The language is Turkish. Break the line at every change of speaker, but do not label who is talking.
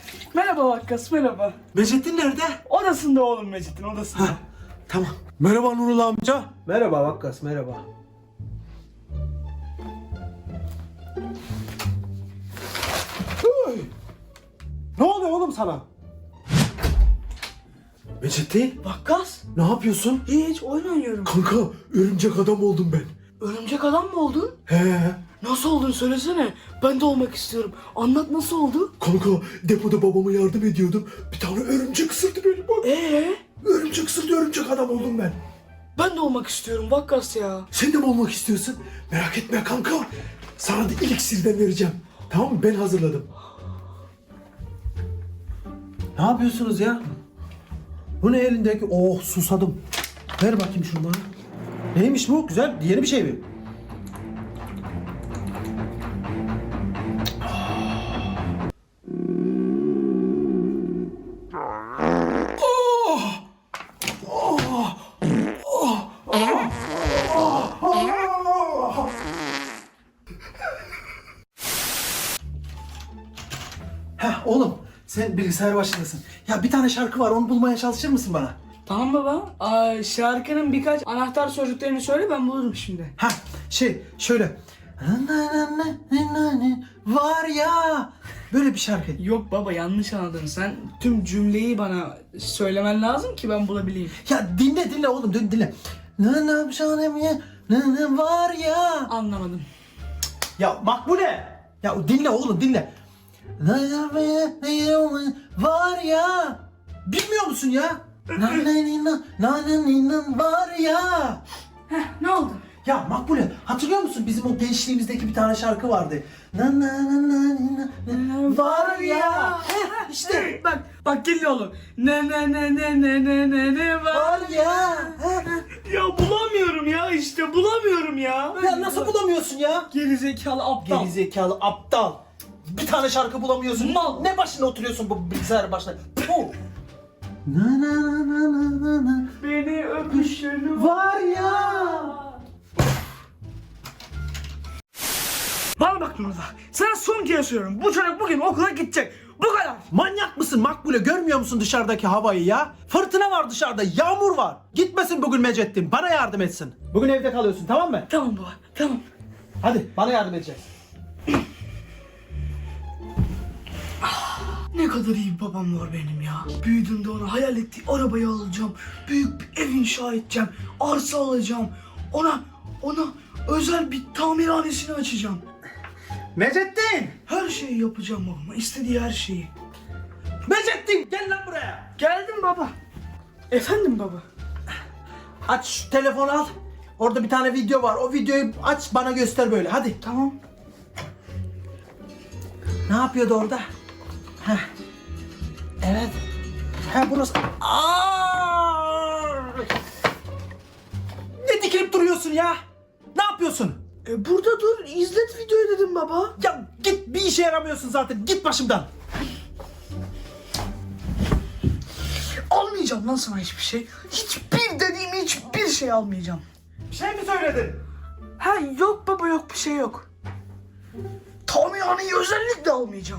Merhaba Vakkas, merhaba.
Mecettin nerede?
Odasında oğlum Mecit'in odasında.
Heh, tamam. Merhaba Nurullah amca.
Merhaba Vakkas, merhaba.
Ne oluyor oğlum sana? Mecettin,
Vakkas?
ne yapıyorsun?
Hiç oyun oynuyorum.
Kanka, örümcek adam oldum ben.
Örümcek adam mı oldun?
He.
Nasıl oldun söylesene. Ben de olmak istiyorum. Anlat nasıl oldu?
Kanka, depoda babama yardım ediyordum. Bir tane örümcek ısırdı beni bak. Örümcek ısırdı, örümcek adam oldum ben.
Ben de olmak istiyorum Vakkas ya.
Sen de mi olmak istiyorsun? Merak etme kanka. Sana da eliksirden vereceğim. Tamam mı? Ben hazırladım.
Ne yapıyorsunuz ya? Bu ne elindeki? Oh, susadım. Ver bakayım şunu bana. Neymiş bu? Güzel, yeni bir şey mi? Heh oğlum, sen bilgisayar başındasın. Ya bir tane şarkı var, onu bulmaya çalışır mısın bana?
Tamam baba. Şarkının birkaç anahtar sözcüklerini söyle ben bulurum şimdi.
Ha şöyle. Var ya. Böyle bir şarkı.
Yok baba yanlış anladın. Sen tüm cümleyi bana söylemen lazım ki ben bulabileyim.
Ya dinle oğlum dinle. Ne var ya.
Anlamadım.
Ya Makbule. Ya dinle oğlum dinle. Var ya. Bilmiyor musun ya? Var ya.
Ne oldu?
Ya Makbule hatırlıyor musun bizim o gençliğimizdeki bir tane şarkı vardı. Var ya. İşte
Bak geliyor oğlum. Ne var.
var ya.
Ya bulamıyorum ya işte bulamıyorum ya.
Ya nasıl bulamıyorsun ya?
Gerizekalı aptal.
Gerizekalı aptal. Bir tane şarkı bulamıyorsun.
Mal.
Ne başına oturuyorsun bu bilgisayar başına? Puh.
Beni öpüşün
Var ya.
Bana bak Nurullah. Sana son kez söylüyorum. Bu çocuk bugün okula gidecek. Bu kadar.
Manyak mısın Makbule? Görmüyor musun dışarıdaki havayı ya? Fırtına var dışarıda, yağmur var. Gitmesin bugün Mecettin, bana yardım etsin. Bugün evde kalıyorsun, tamam mı?
Tamam baba tamam.
Hadi bana yardım edeceksin.
Ne kadar iyi bir babam var benim ya. Büyüdüğümde ona hayal ettiği arabayı alacağım. Büyük bir ev inşa edeceğim. Arsa alacağım. Ona özel bir tamirhanesini açacağım.
Mecettin!
Her şeyi yapacağım babama. İstediği her şeyi.
Mecettin gel lan buraya.
Geldim baba. Efendim baba.
Aç şu telefonu al. Orada bir tane video var. O videoyu aç bana göster böyle. Hadi.
Tamam.
Ne yapıyordu orada? Heh. Evet. Ha burası. Aa! Ne dikilip duruyorsun ya? Ne yapıyorsun?
Burada dur. İzlet videoyu dedim baba.
Ya git, bir işe yaramıyorsun zaten. Git başımdan.
Almayacağım lan sana hiçbir şey. Hiçbir dediğim hiçbir şey almayacağım.
Bir şey mi söyledin?
Ha yok baba yok bir şey yok. Tamirhaneyi özellikle almayacağım.